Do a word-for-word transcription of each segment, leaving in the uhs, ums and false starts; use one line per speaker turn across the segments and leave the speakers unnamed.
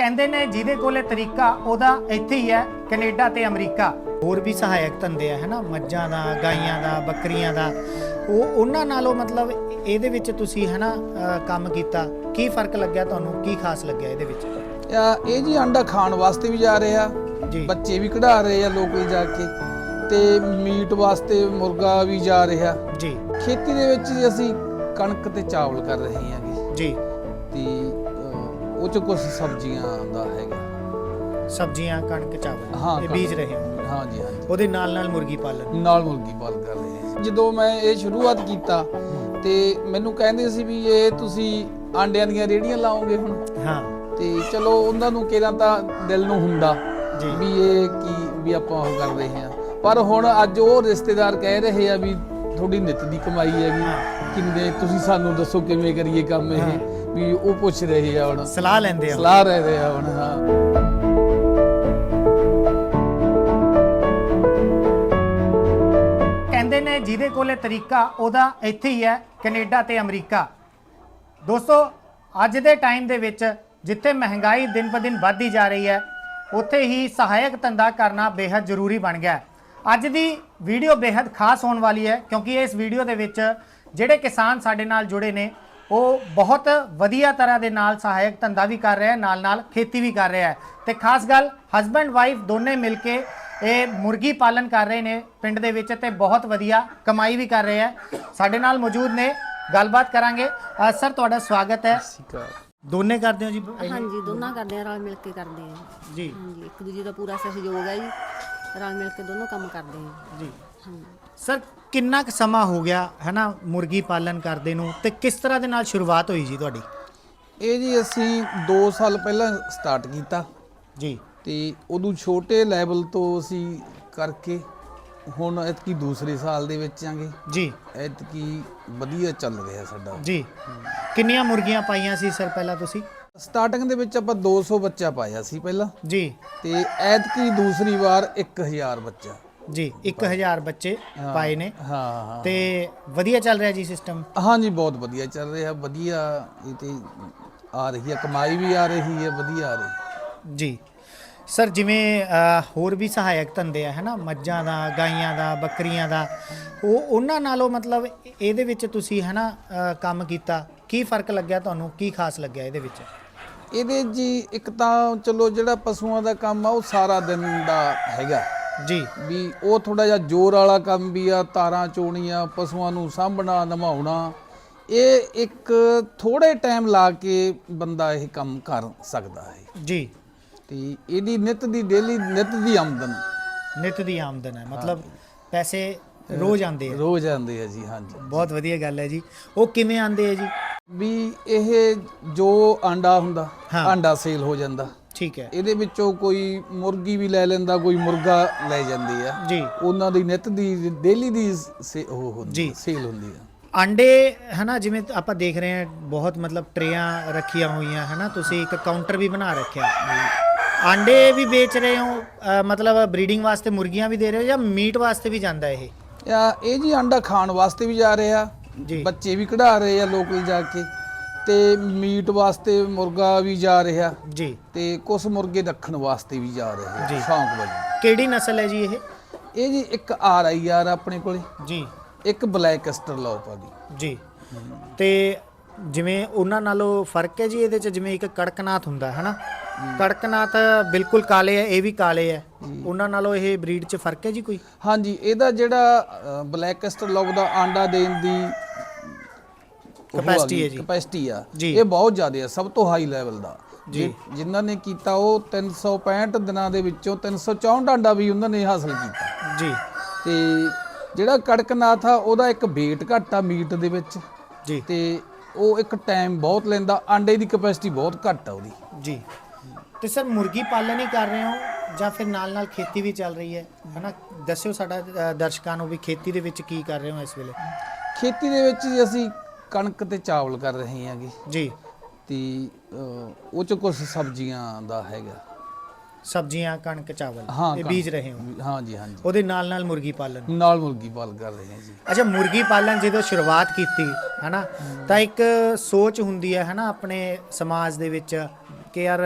ਕਹਿੰਦੇ ਨੇ ਜਿਹਦੇ ਕੋਲੇ ਤਰੀਕਾ ਉਹਦਾ ਇੱਥੇ ਹੀ ਹੈ ਕੈਨੇਡਾ ਤੇ ਅਮਰੀਕਾ। ਹੋਰ ਵੀ ਸਹਾਇਕ ਧੰਦੇ ਆ ਹੈ ਨਾ, ਮੱਝਾਂ ਦਾ, ਗਾਈਆਂ ਦਾ, ਬੱਕਰੀਆਂ ਦਾ, ਉਹ ਉਹਨਾਂ ਨਾਲੋਂ ਮਤਲਬ ਇਹਦੇ ਵਿੱਚ ਤੁਸੀਂ ਹੈ ਨਾ ਕੰਮ ਕੀਤਾ, ਕੀ ਫਰਕ ਲੱਗਿਆ ਤੁਹਾਨੂੰ, ਕੀ ਖਾਸ ਲੱਗਿਆ ਇਹਦੇ ਵਿੱਚ?
ਇਹ ਜੀ ਅੰਡਾ ਖਾਣ ਵਾਸਤੇ ਵੀ ਜਾ ਰਹੇ ਆ
ਜੀ,
ਬੱਚੇ ਵੀ ਕਢਾ ਰਹੇ ਆ ਲੋਕਲ ਜਾ ਕੇ, ਤੇ ਮੀਟ ਵਾਸਤੇ ਮੁਰਗਾ ਵੀ ਜਾ ਰਿਹਾ
ਜੀ।
ਖੇਤੀ ਦੇ ਵਿੱਚ ਜੀ ਅਸੀਂ ਕਣਕ ਤੇ ਚਾਵਲ ਕਰ ਰਹੇ ਹਾਂਗੇ
ਜੀ,
ਤੇ ਉਹ ਚ ਕੁਝ ਸਬਜ਼ੀਆਂ ਦਾ ਹੈਗਾ,
ਸਬਜ਼ੀਆਂ, ਕਣਕ, ਚਾਵਲ
ਹਾਂ
ਇਹ ਬੀਜ ਰਹੇ ਹੋ?
ਹਾਂ ਜੀ, ਹਾਂ ਜੀ।
ਉਹਦੇ ਨਾਲ ਨਾਲ ਮੁਰਗੀ ਪਾਲਣ
ਨਾਲ ਮੁਰਗੀ ਪਾਲਣ ਕਰ ਰਹੇ ਹਾਂ। ਜਦੋਂ ਮੈਂ ਇਹ ਸ਼ੁਰੂਆਤ ਕੀਤਾ ਤੇ ਮੈਨੂੰ ਕਹਿੰਦੇ ਸੀ ਵੀ ਇਹ ਤੁਸੀਂ ਆਂਡਿਆਂ ਦੀਆਂ ਰੇਹੜੀਆਂ ਲਾਓਗੇ ਹੁਣ। ਹਾਂ, ਤੇ ਚਲੋ ਉਹਨਾਂ ਨੂੰ ਕਿਹੜਾ ਤਾਂ ਦਿਲ ਨੂੰ ਹੁੰਦਾ ਵੀ ਇਹ ਕੀ ਵੀ ਆਪਾਂ ਉਹ ਕਰ ਰਹੇ ਹਾਂ, ਪਰ ਹੁਣ ਅੱਜ ਉਹ ਰਿਸ਼ਤੇਦਾਰ ਕਹਿ ਰਹੇ ਆ ਵੀ ਤੁਹਾਡੀ ਨਿੱਤ ਦੀ ਕਮਾਈ ਹੈਗੀ, ਕਿੰਨੇ ਤੁਸੀਂ ਸਾਨੂੰ ਦੱਸੋ ਕਿਵੇਂ ਕਰੀਏ ਕੰਮ ਇਹ, ਵੀ ਉਹ ਪੁੱਛ ਰਹੇ ਆ ਹੁਣ,
ਸਲਾਹ ਲੈਂਦੇ ਆ,
ਸਲਾਹ ਲੈ ਰਹੇ ਆ ਹੁਣ। ਹਾਂ,
ਕਹਿੰਦੇ ਨੇ ਜਿਹਦੇ ਕੋਲੇ ਤਰੀਕਾ ਉਹਦਾ ਇੱਥੇ ਹੀ ਹੈ ਕੈਨੇਡਾ ਤੇ ਅਮਰੀਕਾ। ਦੋਸਤੋ, ਅੱਜ ਦੇ ਟਾਈਮ ਦੇ ਵਿੱਚ ਜਿੱਥੇ ਮਹਿੰਗਾਈ ਦਿਨ ਬ ਦਿਨ ਵੱਧਦੀ ਜਾ ਰਹੀ ਹੈ, ਉੱਥੇ ਹੀ ਸਹਾਇਕ ਧੰਦਾ ਕਰਨਾ ਬੇहद ਜ਼ਰੂਰੀ ਬਣ ਗਿਆ। ਅੱਜ ਦੀ ਵੀਡੀਓ ਬੇहद ਖਾਸ ਹੋਣ ਵਾਲੀ ਹੈ, ਕਿਉਂਕਿ ਇਸ ਵੀਡੀਓ ਦੇ ਵਿੱਚ ਜਿਹੜੇ ਕਿਸਾਨ ਸਾਡੇ ਨਾਲ ਜੁੜੇ ਨੇ ਉਹ ਬਹੁਤ ਵਧੀਆ ਤਰ੍ਹਾਂ ਦੇ ਨਾਲ ਸਹਾਇਕ ਧੰਦਾ ਵੀ ਕਰ ਰਿਹਾ, ਨਾਲ ਨਾਲ ਖੇਤੀ ਵੀ ਕਰ ਰਿਹਾ ਹੈ। ਤੇ ਖਾਸ ਗੱਲ, ਹਸਬੈਂਡ ਵਾਈਫ ਦੋਨੇ ਮਿਲ ਕੇ ਇਹ ਮੁਰਗੀ ਪਾਲਣ ਕਰ ਰਹੇ ਨੇ ਪਿੰਡ ਦੇ ਵਿੱਚ, ਤੇ ਬਹੁਤ ਵਧੀਆ ਕਮਾਈ ਵੀ ਕਰ ਰਹੇ ਹੈ। ਸਾਡੇ ਨਾਲ ਮੌਜੂਦ ਨੇ, ਗੱਲਬਾਤ ਕਰਾਂਗੇ। ਸਰ, ਤੁਹਾਡਾ ਸਵਾਗਤ ਹੈ। ਦੋਨੇ ਕਰਦੇ ਹੋ ਜੀ?
ਹਾਂਜੀ, ਦੋਨਾਂ ਕਰਦੇ ਆ, ਰਲ ਮਿਲ ਕੇ ਕਰਦੇ ਆ
ਜੀ।
ਹਾਂਜੀ, ਇੱਕ ਦੂਜੇ ਦਾ ਪੂਰਾ ਸਹਿਯੋਗ ਹੈ ਜੀ, ਰਲ ਮਿਲ ਕੇ ਦੋਨੋਂ ਕੰਮ ਕਰਦੇ ਆ
ਜੀ।
ਹਾਂਜੀ
ਸਰ, ਕਿੰਨਾ ਕੁ ਸਮਾਂ ਹੋ ਗਿਆ ਹੈ ਨਾ ਮੁਰਗੀ ਪਾਲਣ ਕਰਦੇ ਨੂੰ, ਤੇ ਕਿਸ ਤਰ੍ਹਾਂ ਦੇ ਨਾਲ ਸ਼ੁਰੂਆਤ ਹੋਈ ਜੀ ਤੁਹਾਡੀ?
ਇਹ ਜੀ ਅਸੀਂ ਦੋ ਸਾਲ ਪਹਿਲਾਂ ਸਟਾਰਟ ਕੀਤਾ
ਜੀ,
ਤੇ ਉਦੋਂ ਛੋਟੇ ਲੈਵਲ ਤੋਂ ਅਸੀਂ ਕਰਕੇ ਹੁਣ ਐਤਕੀ ਦੂਸਰੇ ਸਾਲ ਦੇ ਵਿੱਚ ਆਂਗੇ
ਜੀ।
ਐਤਕੀ ਵਧੀਆ ਚੱਲ ਰਿਹਾ ਸਾਡਾ
ਜੀ। ਕਿੰਨੀਆਂ ਮੁਰਗੀਆਂ ਪਾਈਆਂ ਸੀ ਸਰ ਪਹਿਲਾਂ ਤੁਸੀਂ?
ਸਟਾਰਟਿੰਗ ਦੇ ਵਿੱਚ ਆਪਾਂ ਦੋ ਸੌ ਬੱਚਾ ਪਾਇਆ ਸੀ ਪਹਿਲਾਂ
ਜੀ,
ਤੇ ਐਤਕੀ ਦੂਸਰੀ ਵਾਰ ਇੱਕ ਹਜ਼ਾਰ ਬੱਚਾ
ਜੀ। ਇੱਕ ਹਜ਼ਾਰ ਬੱਚੇ ਪਾਏ ਨੇ।
ਹਾਂ ਹਾਂ,
ਤੇ ਵਧੀਆ ਚੱਲ ਰਿਹਾ ਜੀ ਸਿਸਟਮ?
ਹਾਂਜੀ, ਬਹੁਤ ਵਧੀਆ ਚੱਲ ਰਿਹਾ, ਵਧੀਆ ਇਹ ਤੇ ਆ ਰਹੀ ਹੈ, ਕਮਾਈ ਵੀ ਆ ਰਹੀ ਹੈ, ਵਧੀਆ ਆ ਰਹੀ
ਜੀ। ਸਰ, ਜਿਵੇਂ ਹੋਰ ਵੀ ਸਹਾਇਕ ਧੰਦੇ ਆ ਹੈ ਨਾ, ਮੱਝਾਂ ਦਾ, ਗਾਈਆਂ ਦਾ, ਬੱਕਰੀਆਂ ਦਾ, ਉਹ ਉਹਨਾਂ ਨਾਲੋਂ ਮਤਲਬ ਇਹਦੇ ਵਿੱਚ ਤੁਸੀਂ ਹੈ ਨਾ ਕੰਮ ਕੀਤਾ, ਕੀ ਫਰਕ ਲੱਗਿਆ ਤੁਹਾਨੂੰ, ਕੀ ਖਾਸ ਲੱਗਿਆ ਇਹਦੇ ਵਿੱਚ?
ਇਹਦੇ ਜੀ ਇੱਕ ਤਾਂ ਚਲੋ ਜਿਹੜਾ ਪਸ਼ੂਆਂ ਦਾ ਕੰਮ ਆ ਉਹ ਸਾਰਾ ਦਿਨ ਦਾ ਹੈਗਾ
ਜੀ, ਵੀ
ਉਹ ਥੋੜਾ ਜਿਹਾ ਜ਼ੋਰ ਵਾਲਾ ਕੰਮ ਵੀ ਆ, ਤਾਰਾਂ ਚੋਣੀਆਂ, ਪਸ਼ੂਆਂ ਨੂੰ ਸਾਂਭਣਾ, ਨਵਾਉਣਾ, ਇਹ ਇੱਕ ਥੋੜੇ ਟਾਈਮ ਲਾ ਕੇ ਬੰਦਾ ਇਹ ਕੰਮ ਕਰ ਸਕਦਾ ਹੈ
ਜੀ।
ਤੇ ਇਹਦੀ ਨਿੱਤ ਦੀ ਡੇਲੀ ਨਿੱਤ ਦੀ ਆਮਦਨ
ਨਿੱਤ ਦੀ ਆਮਦਨ ਹੈ, ਮਤਲਬ ਪੈਸੇ ਰੋਜ਼ ਆਉਂਦੇ ਆ?
ਰੋਜ਼ ਆਉਂਦੇ ਆ ਜੀ। ਹਾਂਜੀ,
ਬਹੁਤ ਵਧੀਆ ਗੱਲ ਹੈ ਜੀ। ਉਹ ਕਿਵੇਂ ਆਉਂਦੇ ਆ ਜੀ?
ਵੀ ਇਹ ਜੋ ਆਂਡਾ ਹੁੰਦਾ, ਆਂਡਾ ਸੇਲ ਹੋ ਜਾਂਦਾ,
ਠੀਕ ਹੈ।
ਇਹਦੇ ਵਿੱਚੋਂ ਕੋਈ ਮੁਰਗੀ ਵੀ ਲੈ ਲੈਂਦਾ, ਕੋਈ ਮੁਰਗਾ ਲੈ ਜਾਂਦੀ ਆ
ਜੀ।
ਉਹਨਾਂ ਦੀ ਨਿੱਤ ਦੀ ਡੇਲੀ ਦੀ ਉਹ ਹੁੰਦੀ ਸੇਲ ਹੁੰਦੀ ਆ।
ਆਂਡੇ ਹੈ ਨਾ, ਜਿਵੇਂ ਆਪਾਂ ਦੇਖ ਰਹੇ ਹਾਂ ਬਹੁਤ ਮਤਲਬ ਟਰੇਆਂ ਰੱਖੀਆਂ ਹੋਈਆਂ ਹੈ ਨਾ, ਤੁਸੀਂ ਇੱਕ ਕਾਊਂਟਰ ਵੀ ਬਣਾ ਰੱਖਿਆ, ਆਂਡੇ ਵੀ ਵੇਚ ਰਹੇ ਹੋ, ਮਤਲਬ ਬਰੀਡਿੰਗ ਵਾਸਤੇ ਮੁਰਗੀਆਂ ਵੀ ਦੇ ਰਹੇ ਹੋ, ਜਾਂ ਮੀਟ ਵਾਸਤੇ ਵੀ ਜਾਂਦਾ ਇਹ?
ਇਹ ਜੀ ਅੰਡਾ ਖਾਣ ਵਾਸਤੇ ਵੀ ਜਾ ਰਹੇ ਆ ਜੀ, ਬੱਚੇ ਵੀ ਕਢਾ ਰਹੇ ਆ ਲੋਕਲ ਜਾ ਕੇ, ਤੇ ਮੀਟ ਵਾਸਤੇ ਮੁਰਗਾ ਵੀ ਜਾ ਰਿਹਾ ਜੀ, ਤੇ ਕੁਝ ਮੁਰਗੇ ਰੱਖਣ ਵਾਸਤੇ ਵੀ ਜਾ ਰਹੇ ਆ ਸ਼ੌਂਕ ਵਜੋਂ।
ਕਿਹੜੀ ਨਸਲ ਹੈ ਜੀ ਇਹ? ਇਹ
ਜੀ ਇੱਕ ਆਰ ਆਈ ਆਰ ਆਪਣੇ ਕੋਲੇ
ਜੀ, ਇੱਕ
ਬਲੈਕ ਐਸਟਰਲੋਪ ਆ ਦੀ
ਜੀ। ਤੇ ਜਿਵੇਂ ਉਹਨਾਂ ਨਾਲੋਂ ਫਰਕ ਹੈ ਜੀ ਇਹਦੇ ਚ, ਜਿਵੇਂ ਇੱਕ ਕੜਕਨਾਥ ਹੁੰਦਾ ਹੈ ਨਾ, ਕੜਕਨਾਥ ਬਿਲਕੁਲ ਕਾਲੇ ਹੈ, ਇਹ ਵੀ ਕਾਲੇ ਹੈ, ਉਹਨਾਂ ਨਾਲੋਂ ਇਹ ਬਰੀਡ ਚ ਫਰਕ ਹੈ ਜੀ ਕੋਈ?
ਹਾਂਜੀ, ਇਹਦਾ ਜਿਹੜਾ ਬਲੈਕ ਐਸਟਰਲੋਪ ਦਾ ਆਂਡਾ ਦੇਣ ਦੀ
ਕਪੈਸਿਟੀ ਹੈ ਜੀ,
ਕਪੈਸਿਟੀ ਆ, ਇਹ ਬਹੁਤ ਜ਼ਿਆਦਾ ਹੈ, ਸਭ ਤੋਂ ਹਾਈ ਲੈਵਲ ਦਾ ਜੀ। ਜਿਨ੍ਹਾਂ ਨੇ ਕੀਤਾ ਉਹ ਤਿੰਨ ਸੌ ਪੈਂਹਠ ਦਿਨਾਂ ਦੇ ਵਿੱਚੋਂ ਤਿੰਨ ਸੌ ਚੌਂਹਠ ਆਂਡਾ ਵੀ ਉਹਨਾਂ ਨੇ ਹਾਸਲ ਕੀਤਾ ਜੀ। ਤੇ ਜਿਹੜਾ ਕੜਕਨਾਥ ਆ ਉਹਦਾ ਇੱਕ weight ਘੱਟ ਆ ਮੀਟ ਦੇ ਵਿੱਚ ਜੀ, ਤੇ ਉਹ ਇੱਕ ਟਾਈਮ ਬਹੁਤ ਲੈਂਦਾ, ਆਂਡੇ ਦੀ ਕਪੈਸਿਟੀ ਬਹੁਤ ਘੱਟ ਆ ਉਹਦੀ
ਜੀ। ਤੇ ਸਰ, ਮੁਰਗੀ ਪਾਲਣ ਹੀ ਕਰ ਰਹੇ ਹੋ ਜਾਂ ਫਿਰ ਨਾਲ ਨਾਲ ਖੇਤੀ ਵੀ ਚੱਲ ਰਹੀ ਹੈ ਹੈ ਨਾ? ਦੱਸਿਓ ਸਾਡਾ ਦਰਸ਼ਕਾਂ ਨੂੰ ਵੀ ਖੇਤੀ ਦੇ ਵਿੱਚ ਕੀ ਕਰ ਰਹੇ ਹੋ ਇਸ ਵੇਲੇ?
ਖੇਤੀ ਦੇ ਵਿੱਚ ਅਸੀਂ ਕਣਕ ਤੇ ਚਾਵਲ ਕਰ ਰਹੇ ਹਾਂਗੇ ਜੀ, ਤੇ ਉਹ ਚ ਕੁਝ ਸਬਜ਼ੀਆਂ ਦਾ ਹੈਗਾ,
ਸਬਜ਼ੀਆਂ, ਕਣਕ, ਚਾਵਲ ਇਹ ਬੀਜ ਰਹੇ ਹੋ?
ਹਾਂ ਜੀ, ਹਾਂ ਜੀ।
ਉਹਦੇ ਨਾਲ ਨਾਲ ਮੁਰਗੀ ਪਾਲਣ?
ਨਾਲ ਮੁਰਗੀ ਪਾਲਣ ਕਰ ਰਹੇ ਹਾਂ ਜੀ।
ਅੱਛਾ, ਮੁਰਗੀ ਪਾਲਣ ਜਦੋਂ ਸ਼ੁਰੂਆਤ ਕੀਤੀ ਹੈ ਨਾ, ਤਾਂ ਇੱਕ ਸੋਚ ਹੁੰਦੀ ਹੈ ਹੈ ਨਾ ਆਪਣੇ ਸਮਾਜ ਦੇ ਵਿੱਚ ਕਿ ਯਾਰ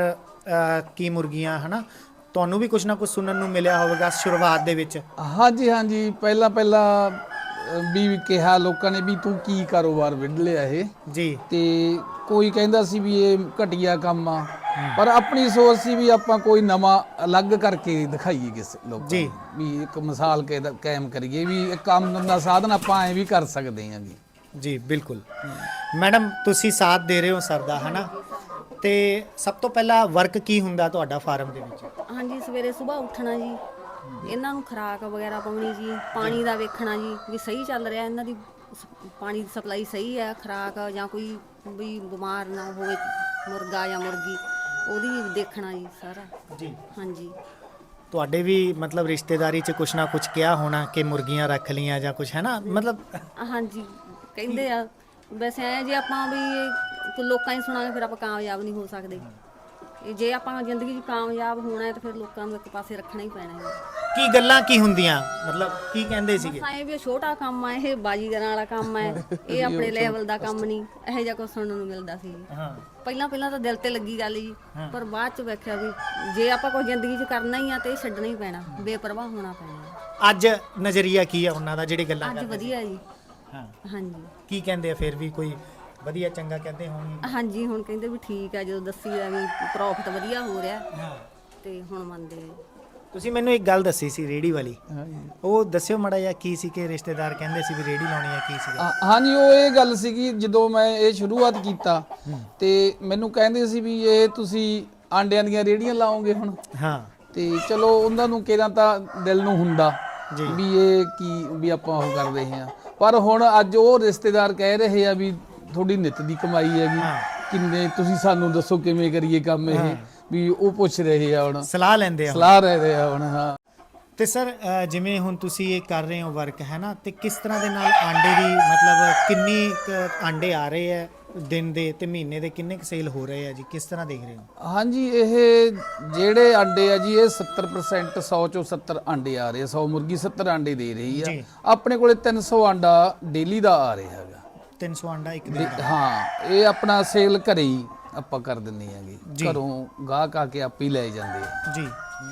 ਅ, ਕੀ ਮੁਰਗੀਆਂ ਹਨਾ ਤੁਹਾਨੂੰ ਵੀ ਕੁਝ ਨਾ ਕੁਝ ਸੁਣਨ ਨੂੰ ਮਿਲਿਆ ਹੋਵੇਗਾ ਸ਼ੁਰੂਆਤ ਦੇ ਵਿੱਚ।
ਹਾਂਜੀ ਹਾਂਜੀ ਪਹਿਲਾਂ ਪਹਿਲਾਂ ਅਹ, ਵੀ ਕਿਹਾ ਲੋਕਾਂ ਨੇ ਵੀ ਤੂੰ ਕੀ ਕਾਰੋਬਾਰ ਵਿੱਢ ਲਿਆ ਇਹ,
ਜੀ
ਤੇ ਕੋਈ ਕਹਿੰਦਾ ਸੀ ਵੀ ਇਹ ਘਟੀਆ ਕੰਮ ਆ, ਪਰ ਆਪਣੀ ਸੋਚ ਸੀ ਵੀ ਆਪਾਂ ਕੋਈ ਨਵਾਂ ਅਲੱਗ ਕਰਕੇ ਦਿਖਾਈਏ ਕਿਸੇ ਲੋਕਾਂ
ਜੀ।
ਨੂੰ, ਵੀ ਇੱਕ ਮਿਸਾਲ ਕਾਇ- ਕਾਇਮ ਕਰੀਏ ਵੀ ਇੱਕ ਆਮਦਨ ਦਾ ਸਾਧਨ ਆਪਾਂ ਐਂ ਵੀ ਕਰ ਸਕਦੇ ਹਾਂ ਜੀ।
ਜੀ ਬਿਲਕੁਲ। ਮੈਡਮ ਤੁਸੀਂ ਸਾਥ ਦੇ ਰਹੇ ਹੋ ਸਰ ਦਾ ਹਨਾ, ਤੇ ਸਭ ਤੋਂ ਪਹਿਲਾਂ ਵਰਕ ਕੀ ਹੁੰਦਾ ਤੁਹਾਡਾ ਫਾਰਮ ਦੇ ਵਿੱਚ?
ਹਾਂਜੀ ਸਵੇਰੇ ਸਵੇਰ ਉੱਠਣਾ ਜੀ, ਇਹਨਾਂ ਨੂੰ ਖੁਰਾਕ ਵਗੈਰਾ ਪਾਉਣੀ ਜੀ, ਪਾਣੀ ਦਾ ਵੇਖਣਾ ਜੀ ਵੀ ਸਹੀ ਚੱਲ ਰਿਹਾ ਇਹਨਾਂ ਦੀ ਸ- ਪਾਣੀ ਦੀ ਸਪਲਾਈ ਸਹੀ ਹੈ, ਖੁਰਾਕ ਜਾਂ ਕੋਈ ਵੀ ਬਿਮਾਰ ਨਾ ਹੋਵੇ ਮੁਰਗਾ ਜਾਂ ਮੁਰਗੀ, ਉਹਦੀ ਵੀ ਦੇਖਣਾ ਜੀ ਸਾਰਾ।
ਜੀ
ਹਾਂਜੀ
ਤੁਹਾਡੇ ਵੀ ਮਤਲਬ ਰਿਸ਼ਤੇਦਾਰੀ 'ਚ ਕੁਛ ਨਾ ਕੁਛ ਕਿਹਾ ਹੋਣਾ ਕਿ ਮੁਰਗੀਆਂ ਰੱਖ ਲੀਆਂ ਜਾਂ ਕੁਛ ਹੈ ਨਾ, ਮਤਲਬ
ਹਾਂਜੀ ਕਹਿੰਦੇ ਆ। ਵੈਸੇ ਐ ਜੇ ਆਪਾਂ ਵੀ ਕੋਈ ਲੋਕਾਂ ਹੀ ਸੁਣਾਂਗੇ ਫਿਰ ਆਪਾਂ ਕਾਮਯਾਬ ਨਹੀਂ ਹੋ ਸਕਦੇ। ਇਹ ਜੇ ਆਪਾਂ ਜ਼ਿੰਦਗੀ 'ਚ ਕਾਮਯਾਬ ਹੋਣਾ ਹੈ ਤਾਂ ਫਿਰ ਲੋਕਾਂ ਨੂੰ ਇੱਕ ਪਾਸੇ ਰੱਖਣਾ ਹੀ ਪੈਣਾ ਹੈ।
ਕੀ ਗੱਲਾਂ ਕੀ ਹੁੰਦੀਆਂ, ਮਤਲਬ ਕੀ ਕਹਿੰਦੇ ਸੀਗੇ?
ਇਹ ਵੀ ਛੋਟਾ ਕੰਮ ਆ, ਇਹ ਬਾਜੀਗਰਾਂ ਵਾਲਾ ਕੰਮ ਹੈ, ਇਹ ਆਪਣੇ ਲੈਵਲ ਦਾ ਕੰਮ ਨਹੀਂ, ਇਹੋ ਜਿਹਾ ਕੁਝ ਸੁਣਨ ਨੂੰ ਮਿਲਦਾ ਸੀ।
ਹਾਂ
ਪਹਿਲਾਂ ਪਹਿਲਾਂ ਤਾਂ ਦਿਲ ਤੇ ਲੱਗੀ ਗੱਲ ਜੀ, ਪਰ ਬਾਅਦ ਚ ਵੇਖਿਆ ਵੀ ਜੇ ਆਪਾਂ ਕੋਈ ਜ਼ਿੰਦਗੀ 'ਚ ਕਰਨਾ ਹੀ ਆ ਤੇ ਇਹ ਛੱਡਣਾ ਹੀ ਪੈਣਾ, ਬੇਪਰਵਾਹ ਹੋਣਾ ਪੈਣਾ।
ਅੱਜ ਨਜ਼ਰੀਆ ਕੀ ਆ ਉਹਨਾਂ ਦਾ ਜਿਹੜੇ ਗੱਲਾਂ
ਅੱਜ
ਕਰਦੇ?
ਵਧੀਆ ਜੀ।
ਹਾਂ
ਹਾਂਜੀ
ਕੀ ਕਹਿੰਦੇ ਆ ਫਿਰ ਵੀ, ਕੋਈ ਵਧੀਆ ਚੰਗਾ ਕਹਿੰਦੇ ਹੋਣਗੇ?
ਹਾਂਜੀ ਹੁਣ ਕਹਿੰਦੇ ਵੀ ਠੀਕ ਆ, ਜਦੋਂ ਦੱਸੀ ਆ ਵੀ ਪ੍ਰੋਫਿਟ ਵਧੀਆ ਹੋ ਰਿਹਾ
ਹਾਂ
ਤੇ ਹੁਣ ਮੰਨਦੇ ਆ।
ਤੁਸੀਂ ਮੈਨੂੰ ਇੱਕ ਗੱਲ ਦੱਸੀ ਸੀ ਰੇੜੀ ਵਾਲੀ,
ਹਾਂਜੀ
ਉਹ ਦੱਸਿਓ ਮਾੜਾ ਜਿਹਾ ਕੀ ਸੀ ਕਿ ਰਿਸ਼ਤੇਦਾਰ ਕਹਿੰਦੇ ਸੀ ਵੀ ਰੇੜੀ ਲਾਉਣੀ ਆ, ਕੀ ਸੀਗਾ?
ਹਾਂ- ਹਾਂਜੀ ਉਹ ਇਹ ਗੱਲ ਸੀਗੀ ਜਦੋਂ ਮੈਂ ਇਹ ਸ਼ੁਰੂਆਤ ਕੀਤਾ ਤੇ ਮੈਨੂੰ ਕਹਿੰਦੇ ਸੀ ਵੀ ਇਹ ਤੁਸੀਂ ਆਂਡਿਆਂ ਦੀਆਂ ਰੇੜੀਆਂ ਲਾਓਗੇ ਹੁਣ,
ਹਾਂ
ਤੇ ਚਲੋ ਉਹਨਾਂ ਨੂੰ ਕਿਹਦਾ ਤਾਂ ਦਿਲ ਨੂੰ ਹੁੰਦਾ
ਜੀ।
ਵੀ ਇਹ ਕੀ ਵੀ ਆਪਾਂ ਉਹ ਕਰ ਰਹੇ ਹਾਂ, ਪਰ ਹੁਣ ਅੱਜ ਉਹ ਰਿਸ਼ਤੇਦਾਰ ਕਹਿ ਰਹੇ ਆ ਵੀ ਤੁਹਾਡੀ ਨਿੱਤ ਦੀ ਕਮਾਈ ਹੈਗੀ,
ਹਾਂ।
ਕਿੰਨੇ ਤੁਸੀਂ ਸਾਨੂੰ ਦੱਸੋ ਕਿਵੇਂ ਕਰੀਏ ਕੰਮ ਇਹ, ਵੀ ਉਹ ਪੁੱਛ ਰਹੇ ਆ ਹੁਣ,
ਸਲਾਹ ਲੈਂਦੇ ਆ ਹੁਣ।
ਸਲਾਹ ਲੈ ਰਹੇ ਆ ਹੁਣ। ਹਾਂ
ਤੇ ਸਰ ਅ, ਜਿਵੇਂ ਹੁਣ ਤੁਸੀਂ ਇਹ ਕਰ ਰਹੇ ਹੋ ਵਰਕ ਹੈ ਨਾ, ਤੇ ਕਿਸ ਤਰ੍ਹਾਂ ਦੇ ਨਾਲ ਆਂਡੇ ਦੀ ਮਤਲਬ ਕਿੰਨੀ ਕੁ ਆਂਡੇ ਆ ਰਹੇ ਆ ਦਿਨ ਦੇ ਤੇ ਮਹੀਨੇ ਦੇ ਕਿੰਨੇ ਕੁ ਸੇਲ ਹੋ ਰਹੇ ਆ ਜੀ, ਕਿਸ ਤਰ੍ਹਾਂ ਦੇਖ ਰਹੇ ਹੋ?
ਹਾਂਜੀ ਇਹ ਜਿਹੜੇ ਆਂਡੇ ਆ ਜੀ ਇਹ ਸੱਤਰ ਪਰਸੈਂਟ ਸੌ ਚੋਂ ਸੱਤਰ ਆਂਡੇ ਆ ਰਹੇ ਆ, ਸੌ ਮੁਰਗੀ ਸੱਤਰ ਆਂਡੇ ਦੇ ਰਹੀ
ਜੀ।
ਆ। ਆਪਣੇ ਕੋਲੇ ਤਿੰਨ ਸੌ ਆਂਡਾ ਡੇਲੀ ਦਾ ਆ ਰਿਹਾ ਹੈਗਾ।
ਤਿੰਨ ਸੌ ਆਂਡਾ ਇੱਕ ਦਿਨ ਦਾ?
ਹਾਂ ਇਹ ਆਪਣਾ ਸੇਲ ਘਰੇ ਹੀ ਆਪਾਂ ਕਰ ਦਿੰਨੇ ਆਂਗੇ,
ਜੀ।
ਘਰੋਂ ਗਾਹਕ ਆ ਕੇ ਆਪੇ ਹੀ ਲੈ ਜਾਂਦੇ ਆ
ਜੀ।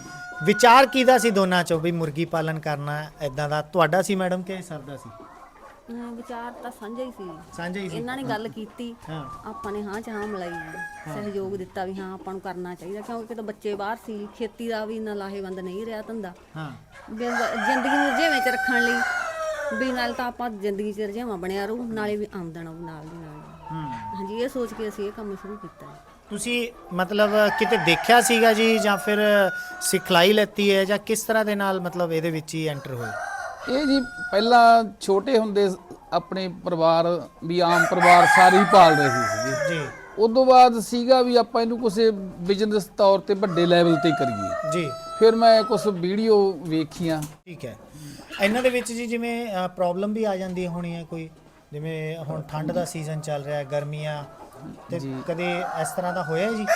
ਵਿਚਾਰ ਕਿਹਦਾ ਸੀ ਦੋਨਾਂ ਚੋਂ ਵੀ ਮੁਰਗੀ ਪਾਲਨ ਕਰਨਾ ਐਦਾਂ ਦਾ, ਤੁਹਾਡਾ ਸੀ ਮੈਡਮ ਕਿ ਸਰ ਦਾ ਸੀ?
ਹਾਂ, ਵਿਚਾਰ ਤਾਂ ਸਾਂਝਾ ਹੀ ਸੀ,
ਸਾਂਝਾ ਹੀ ਸੀ?
ਇਹਨਾਂ ਨੇ ਗੱਲ ਕੀਤੀ,
ਹਾਂ
ਆਪਾਂ ਨੇ ਹਾਂ ਚ ਹਾਂ ਮਿਲਾਈ, ਸਹਿਯੋਗ ਦਿੱਤਾ ਵੀ ਹਾਂ ਆਪਾਂ ਨੂੰ ਕਰਨਾ ਚਾਹੀਦਾ, ਕਿਉਂਕਿ ਕਿਤੇ ਬੱਚੇ ਬਾਹਰ ਸੀ, ਖੇਤੀ ਦਾ ਵੀ ਇੰਨਾ ਲਾਹੇਵੰਦ ਨਹੀਂ ਰਿਹਾ ਧੰਦਾ।
ਹਾਂ
ਵੀ ਜ਼ਿੰਦਗੀ ਨੂੰ ਰੁਝੇਵੇਂ ਚ ਰੱਖਣ ਲਈ ਵੀ ਨਾਲ ਤਾਂ ਆਪਾਂ ਜ਼ਿੰਦਗੀ ਚ ਰੁਝੇਵਾਂ ਬਣਿਆ ਰਹੂ, ਨਾਲੇ ਵੀ ਆਮਦਨ ਆਊ ਨਾਲ ਦੀ ਨਾਲ।
ਹੂੰ
ਹਾਂਜੀ ਇਹ ਸੋਚ ਕੇ ਅਸੀਂ ਇਹ ਕੰਮ ਸ਼ੁਰੂ ਕੀਤਾ ਹੈ।
ਤੁਸੀਂ ਮਤਲਬ ਕਿਤੇ ਦੇਖਿਆ ਸੀਗਾ ਜੀ ਜਾਂ ਫਿਰ ਸਿਖਲਾਈ ਲੈਤੀ ਹੈ ਜਾਂ ਕਿਸ ਤਰ੍ਹਾਂ ਦੇ ਨਾਲ ਮਤਲਬ ਇਹਦੇ ਵਿੱਚ ਹੀ ਐਂਟਰ ਹੋਏ?
ਇਹ ਜੀ ਪਹਿਲਾਂ ਛੋਟੇ ਹੁੰਦੇ ਆਪਣੇ ਪਰਿਵਾਰ ਵੀ ਆਮ ਪਰਿਵਾਰ ਸਾਰੇ ਹੀ ਪਾਲ ਰਹੇ ਸੀਗੇ
ਜੀ
ਉਦੋਂ ਬਾਅਦ ਸੀਗਾ ਵੀ ਆਪਾਂ ਇਹਨੂੰ ਕਿਸੇ ਬਿਜ਼ਨਸ ਤੌਰ ਤੇ ਵੱਡੇ ਲੈਵਲ ਤੇ ਕਰੀਏ।
ਜੀ
ਫਿਰ ਮੈਂ ਕੁਝ ਵੀਡੀਓ ਵੇਖੀਆਂ।
ਠੀਕ ਹੈ। ਇਹਨਾਂ ਦੇ ਵਿੱਚ ਜੀ ਜਿਵੇਂ ਪ੍ਰੋਬਲਮ ਵੀ ਆ ਜਾਂਦੀ ਹੋਣੀ ਹੈ ਕੋਈ, ਜਿਵੇਂ ਹੁਣ ਠੰਡ ਦਾ ਸੀਜ਼ਨ ਚੱਲ ਰਿਹਾ, ਗਰਮੀਆਂ, ਤੇ ਕਦੇ ਇਸ ਤਰ੍ਹਾਂ ਦਾ ਹੋਇਆ ਜੀ?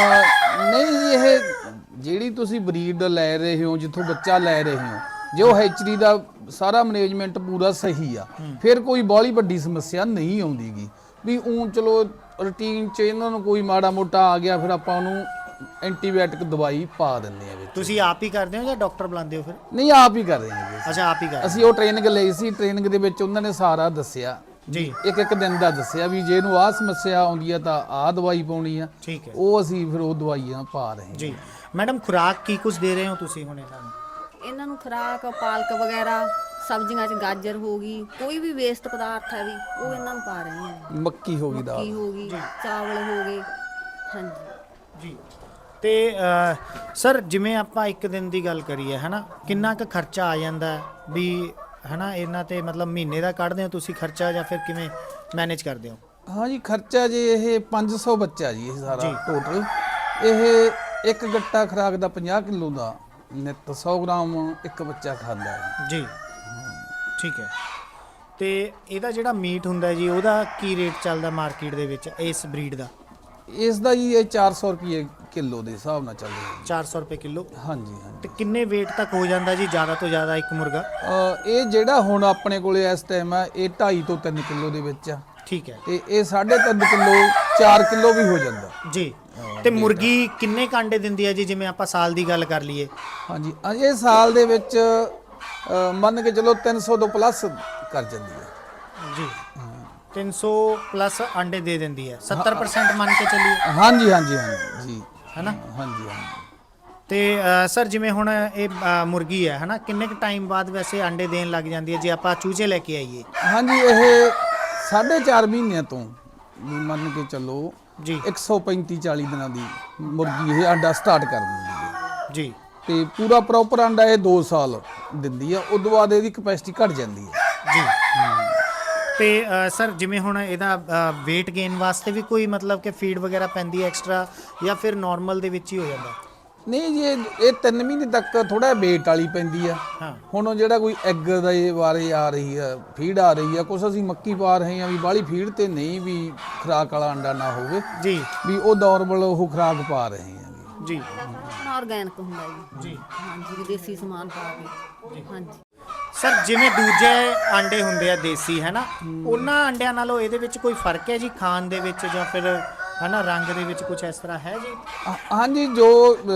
ਅਹ ਨਹੀਂ ਜੀ ਇਹ ਜਿਹੜੀ ਤੁਸੀਂ ਬਰੀਡ ਲੈ ਰਹੇ ਹੋ, ਜਿੱਥੋਂ ਬੱਚਾ ਲੈ ਰਹੇ ਹੋ, ਜੋ ਹੈਚਰੀ ਦਾ ਸਾਰਾ ਮੈਨੇਜਮੈਂਟ ਪੂਰਾ ਸਹੀ ਆ, ਫਿਰ ਕੋਈ ਬਾਹਲੀ ਵੱਡੀ ਸਮੱਸਿਆ ਨਹੀਂ ਆਉਂਦੀਗੀ। ਵੀ ਉਂ ਚਲੋ ਰੂਟੀਨ 'ਚ ਇਹਨਾਂ ਨੂੰ ਕੋਈ ਮਾੜਾ ਮੋਟਾ ਆ ਗਿਆ ਫਿਰ ਆਪਾਂ ਉਹਨੂੰ ਐਂਟੀਬਾਇਓਟਿਕ ਦਵਾਈ ਪਾ ਦਿੰਦੇ ਆ ਵਿੱਚ।
ਤੁਸੀਂ ਆਪ ਹੀ ਕਰਦੇ ਹੋ ਜਾਂ ਡਾਕਟਰ ਬੁਲਾਉਂਦੇ ਹੋ ਫਿਰ?
ਨਹੀਂ ਆਪ ਹੀ ਕਰ ਰਹੇ ਹਾਂ ਜੀ।
ਅੱਛਾ ਆਪ ਹੀ ਕਰਦੇ
ਅਸੀਂ ਉਹ ਟ੍ਰੇਨਿੰਗ ਲਈ ਸੀ, ਟ੍ਰੇਨਿੰਗ ਦੇ ਵਿੱਚ ਉਹਨਾਂ ਨੇ ਸਾਰਾ ਦੱਸਿਆ
ਜੀ,
ਇੱਕ ਇੱਕ ਦਿਨ ਦਾ ਦੱਸਿਆ ਵੀ ਜੇ ਇਹਨੂੰ ਆਹ ਸਮੱਸਿਆ ਆਉਂਦੀ ਆ ਤਾਂ ਆਹ ਦਵਾਈ ਪਾਉਣੀ ਆ।
ਠੀਕ ਹੈ
ਉਹ ਅਸੀਂ ਫਿਰ ਉਹ ਦਵਾਈਆਂ ਪਾ ਰਹੇ ਹਾਂ
ਜੀ। ਮੈਡਮ ਖੁਰਾਕ ਕੀ ਕੁਝ ਦੇ ਰਹੇ ਹੋ ਤੁਸੀਂ ਹੁਣ ਇਹਨਾਂ ਨੂੰ?
ਇਹਨਾਂ ਨੂੰ ਖੁਰਾਕ ਪਾਲਕ ਵਗੈਰਾ, ਸਬਜ਼ੀਆਂ 'ਚ ਗਾਜਰ ਹੋ ਗਈ, ਕੋਈ ਵੀ ਵੇਸਟ ਪਦਾਰਥ ਹੈ ਵੀ ਉਹ ਇਹਨਾਂ ਨੂੰ ਪਾ ਰਹੇ ਹਾਂ।
ਮੱਕੀ ਹੋ ਗਈ
ਕੀ
ਦਾਲ।
ਹੋ ਗਈ, ਚਾਵਲ ਹੋ ਗਏ। ਹਾਂਜੀ
ਜੀ। ਤੇ ਅ, ਸਰ ਜਿਵੇਂ ਆਪਾਂ ਇੱਕ ਦਿਨ ਦੀ ਗੱਲ ਕਰੀਏ ਹੈ ਨਾ, ਕਿੰਨਾ ਕੁ ਖਰਚਾ ਆ ਜਾਂਦਾ ਹੈ ਵੀ ਹੈ ਨਾ ਇਹਨਾਂ ਤੇ, ਮਤਲਬ ਮਹੀਨੇ ਦਾ ਕੱਢਦੇ ਹੋ ਤੁਸੀਂ ਖਰਚਾ ਜਾਂ ਫਿਰ ਕਿਵੇਂ ਮੈਨੇਜ ਕਰਦੇ ਹੋ?
ਹਾਂ ਜੀ ਖਰਚਾ ਜੀ ਇਹ ਪੰਜ ਸੌ ਬੱਚਾ ਜੀ ਇਹ ਸਾਰਾ
ਜੀ।
ਟੋਟਲ। ਇਹ ਇੱਕ ਗੱਟਾ ਖੁਰਾਕ ਦਾ ਪੰਜਾਹ ਕਿਲੋ ਦਾ ਨਿੱਤ ਸੌ ਗ੍ਰਾਮ ਇੱਕ ਬੱਚਾ ਖਾਂਦਾ ਹੈ
ਜੀ। ਠੀਕ ਹੈ। ਤੇ ਇਹਦਾ ਜਿਹੜਾ ਮੀਟ ਹੁੰਦਾ ਜੀ ਉਹਦਾ ਕੀ ਰੇਟ ਚੱਲਦਾ ਮਾਰਕੀਟ ਦੇ ਵਿੱਚ ਇਸ ਬਰੀਡ ਦਾ?
ਇਸ ਦਾ ਜੀ ਇਹ ਚਾਰ ਸੌ ਰੁਪਏ ਕਿਲੋ ਦੇ ਹਿਸਾਬ ਨਾਲ ਚੱਲ ਰਿਹਾ
ਚਾਰ ਸੌ ਰੁਪਏ ਕਿਲੋ।
ਹਾਂਜੀ ਹਾਂਜੀ।
ਤੇ ਕਿੰਨੇ weight ਤੱਕ ਹੋ ਜਾਂਦਾ ਜੀ ਜ਼ਿਆਦਾ ਤੋਂ ਜ਼ਿਆਦਾ ਇੱਕ ਮੁਰਗਾ?
ਅ, ਇਹ ਜਿਹੜਾ ਹੁਣ ਆਪਣੇ ਕੋਲੇ ਇਸ ਟਾਈਮ ਆ ਇਹ ਢਾਈ ਤੋਂ ਤਿੰਨ ਕਿਲੋ ਦੇ ਵਿੱਚ ਆ,
ਠੀਕ ਹੈ
ਤੇ ਇਹ ਸਾਢੇ ਤਿੰਨ ਕਿਲੋ ਚਾਰ ਕਿਲੋ ਵੀ ਹੋ ਜਾਂਦਾ
ਜੀ। ਤੇ ਮੁਰਗੀ ਕਿੰਨੇ ਕੁ ਅੰਡੇ ਦਿੰਦੀ ਹੈ ਜੀ, ਜਿਵੇਂ ਆਪਾਂ ਸਾਲ ਦੀ ਗੱਲ ਕਰ ਲਈਏ?
ਹਾਂਜੀ ਇਹ ਸਾਲ ਦੇ ਵਿੱਚ ਅ, ਮੰਨ ਕੇ ਚਲੋ ਤਿੰਨ ਸੌ ਤੋਂ ਪਲੱਸ ਕਰ ਜਾਂਦੀ ਹੈ
ਜੀ। ਤਿੰਨ ਸੌ ਪਲੱਸ ਅੰਡੇ ਦੇ ਦਿੰਦੀ ਹੈ, ਸੱਤਰ ਪਰਸੈਂਟ ਮੰਨ ਕੇ ਚੱਲੀਏ।
ਹਾਂਜੀ ਹਾਂਜੀ ਹਾਂਜੀ ਜੀ
ਹੈ ਨਾ।
ਹਾਂਜੀ ਹਾਂਜੀ
ਤੇ ਅ, ਸਰ ਜਿਵੇਂ ਹੁਣ ਇਹ ਅ, ਮੁਰਗੀ ਹੈ ਹੈ ਨਾ, ਕਿੰਨੇ ਕੁ ਟਾਈਮ ਬਾਅਦ ਵੈਸੇ ਅੰਡੇ ਦੇਣ ਲੱਗ ਜਾਂਦੀ ਹੈ ਜੇ ਆਪਾਂ ਚੂਚੇ ਲੈ ਕੇ ਆਈਏ?
ਹਾਂਜੀ ਇਹ ਸਾਢੇ ਚਾਰ ਮਹੀਨਿਆਂ ਤੋਂ ਵੀ ਮੰਨ ਕੇ ਚੱਲੋ
ਜੀ
ਇੱਕ ਸੌ ਪੈਂਤੀ ਚਾਲੀ ਦਿਨਾਂ ਦੀ ਮੁਰਗੀ ਇਹ ਅੰਡਾ ਸਟਾਰਟ ਕਰ ਦਿੰਦੀ ਹੈ
ਜੀ।
ਤੇ ਪੂਰਾ ਪ੍ਰੋਪਰ ਅੰਡਾ ਇਹ ਦੋ ਸਾਲ ਦਿੰਦੀ ਆ, ਉਸ ਤੋਂ ਬਾਅਦ ਇਹਦੀ ਕਪੈਸਿਟੀ ਘਟ ਜਾਂਦੀ ਹੈ
ਜੀ। ਤੇ ਅ, ਸਰ ਜਿਵੇਂ ਹੁਣ ਇਹਦਾ weight gain ਵਾਸਤੇ ਵੀ ਕੋਈ ਮਤਲਬ ਕਿ ਫੀਡ ਵਗੈਰਾ ਪੈਂਦੀ ਹੈ ਐਕਸਟਰਾ, ਜਾਂ ਫਿਰ ਨਾਰਮਲ ਦੇ ਵਿੱਚ ਹੀ ਹੋ ਜਾਂਦਾ?
ਨਹੀਂ ਜੀ ਇਹ ਇਹ ਤਿੰਨ ਮਹੀਨੇ ਤੱਕ ਥੋੜਾ ਵੇਟ ਵਾਲੀ ਪੈਂਦੀ ਆ।
ਹਾਂ।
ਹੁਣ ਉਹ ਜਿਹੜਾ ਕੋਈ ਐਗ ਦਾ ਇਹ ਵਾਰੇ ਆ ਰਹੀ ਆ, ਫੀਡ ਆ ਰਹੀ ਆ, ਕੁਛ ਅਸੀਂ ਮੱਕੀ ਪਾ ਰਹੇ ਆ ਵੀ ਬਾਹਲੀ ਫੀਡ ਤੇ ਨਹੀਂ, ਵੀ ਖੁਰਾਕ ਵਾਲਾ ਅੰਡਾ ਨਾ ਹੋਵੇ
ਜੀ,
ਵੀ ਉਹ ਨਾਰਮਲ ਉਹ ਖੁਰਾਕ ਪਾ ਰਹੇ ਆ
ਜੀ
ਆਰਗੈਨਿਕ ਹੁੰਦਾ ਜੀ।
ਜੀ।
ਹਾਂਜੀ ਦੇਸੀ ਸਮਾਨ ਪਾ ਕੇ। ਹਾਂਜੀ
ਸਰ ਜਿਵੇਂ ਦੂਜੇ ਅੰਡੇ ਹੁੰਦੇ ਆ ਦੇਸੀ ਹੈ ਨਾ, ਉਹਨਾਂ ਅੰਡਿਆਂ ਨਾਲੋਂ ਇਹਦੇ ਵਿੱਚ ਕੋਈ ਫਰਕ ਹੈ ਜੀ ਖਾਣ ਦੇ ਵਿੱਚ, ਜਾਂ ਫਿਰ ਹੈ ਨਾ ਰੰਗ ਦੇ ਵਿੱਚ ਕੁਝ ਇਸ ਤਰ੍ਹਾਂ ਹੈ ਜੀ?
ਹਾਂ- ਹਾਂਜੀ ਜੋ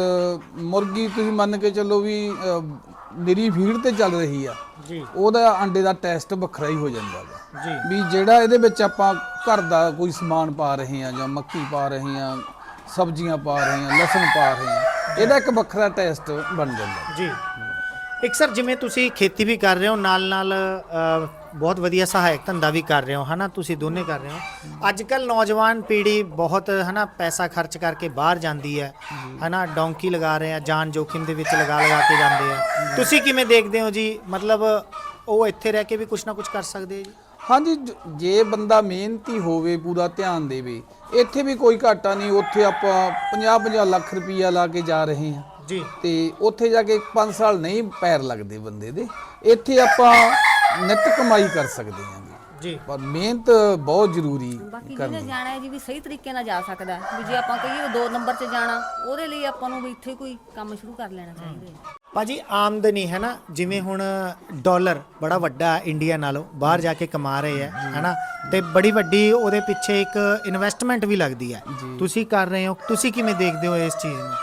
ਅ, ਮੁਰਗੀ ਤੁਸੀਂ ਮੰਨ ਕੇ ਚੱਲੋ ਵੀ ਅ, ਨਿਰੀ ਫੀਡ ਤੇ ਚੱਲ ਰਹੀ ਆ
ਜੀ,
ਉਹਦਾ ਅੰਡੇ ਦਾ ਟੈਸਟ ਵੱਖਰਾ ਹੀ ਹੋ ਜਾਂਦਾ ਹੈ
ਜੀ
ਵੀ ਜਿਹੜਾ ਇਹਦੇ ਵਿੱਚ ਆਪਾਂ ਘਰ ਦਾ ਕੋਈ ਸਮਾਨ ਪਾ ਰਹੇ ਆ, ਜਾਂ ਮੱਕੀ ਪਾ ਰਹੇ ਆ, ਸਬਜ਼ੀਆਂ ਪਾ ਰਹੇ ਆ, ਲਸਣ ਪਾ ਰਹੇ ਆ, ਇਹਦਾ ਇੱਕ ਵੱਖਰਾ ਟੈਸਟ ਬਣ ਜਾਂਦਾ
ਜੀ। ਇੱਕ ਸਰ ਜਿਵੇਂ ਤੁਸੀਂ ਖੇਤੀ ਵੀ ਕਰ ਰਹੇ ਹੋ, ਨਾਲ ਨਾਲ ਅ, ਬਹੁਤ ਵਧੀਆ ਸਹਾਇਕ ਧੰਦਾ ਵੀ ਕਰ ਰਹੇ ਹੋ ਹੈ ਨਾ, ਤੁਸੀਂ ਦੋਨੇ ਕਰ ਰਹੇ ਹੋ। ਅੱਜ ਕੱਲ ਨੌਜਵਾਨ ਪੀੜ੍ਹੀ ਬਹੁਤ ਹੈ ਨਾ ਪੈਸਾ ਖਰਚ ਕਰਕੇ ਬਾਹਰ ਜਾਂਦੀ ਹੈ ਹੈ ਨਾ, ਡੌਂਕੀ ਲਗਾ ਰਹੇ ਆ, ਜਾਨ ਜੋਖਿਮ ਦੇ ਵਿੱਚ ਲਗਾ ਲਗਾ ਕੇ ਜਾਂਦੇ ਆ। ਤੁਸੀਂ ਕਿਵੇਂ ਦੇਖਦੇ ਹੋ ਜੀ, ਮਤਲਬ ਉਹ ਇੱਥੇ ਰਹਿ ਕੇ ਵੀ ਕੁਝ ਨਾ ਕੁਝ ਕਰ ਸਕਦੇ ਆ ਜੀ?
ਹਾਂਜੀ ਜ- ਜੇ ਬੰਦਾ ਮਿਹਨਤੀ ਹੋਵੇ, ਪੂਰਾ ਧਿਆਨ ਦੇਵੇ, ਇੱਥੇ ਵੀ ਕੋਈ ਘਾਟਾ ਨਹੀਂ। ਉੱਥੇ ਆਪਾਂ ਪੰਜਾਹ ਪੰਜਾਹ ਲੱਖ ਰੁਪਈਆ ਲਾ ਕੇ ਜਾ ਰਹੇ ਹਾਂ
ਜੀ,
ਤੇ ਉੱਥੇ ਜਾ ਕੇ ਪੰਜ ਸਾਲ ਨਹੀਂ ਪੈਰ ਲੱਗਦੇ ਬੰਦੇ ਦੇ। ਇੱਥੇ ਆਪਾਂ ਨਿੱਤ ਕਮਾਈ ਕਰ ਸਕਦੇ ਹਾਂ
ਜੀ।
ਪਰ ਮਿਹਨਤ ਬਹੁਤ ਜ਼ਰੂਰੀ
ਬਾਕੀ
ਕਰਨੀ।
ਜਿਹਨੇ ਜਾਣਾ ਹੈ ਜੀ ਵੀ ਸਹੀ ਤਰੀਕੇ ਨਾਲ ਜਾ ਸਕਦਾ ਹੈ। ਵੀ ਜੇ ਆਪਾਂ ਕਹੀਏ ਦੋ ਨੰਬਰ 'ਚ ਜਾਣਾ, ਉਹਦੇ ਲਈ ਆਪਾਂ ਨੂੰ ਵੀ ਇੱਥੇ ਕੋਈ ਕੰਮ ਸ਼ੁਰੂ ਕਰ ਲੈਣਾ ਚਾਹੀਦਾ ਹੈ।
ਭਾਜੀ ਆਮਦਨੀ ਹੈ ਨਾ, ਜਿਵੇਂ ਹੁਣ ਡਾਲਰ ਬੜਾ ਵੱਡਾ ਇੰਡੀਆ ਨਾਲੋਂ ਬਾਹਰ ਜਾ ਕੇ ਕਮਾ ਰਹੇ ਹੈ ਹੈ ਨਾ, ਤੇ ਬੜੀ ਵੱਡੀ ਉਹਦੇ ਪਿੱਛੇ ਇੱਕ ਇਨਵੈਸਟਮੈਂਟ ਵੀ ਲੱਗਦੀ ਹੈ, ਤੁਸੀਂ ਕਰ ਰਹੇ ਹੋ। ਤੁਸੀਂ ਕਿਵੇਂ ਦੇਖਦੇ ਹੋ ਇਸ ਚੀਜ਼ ਨੂੰ?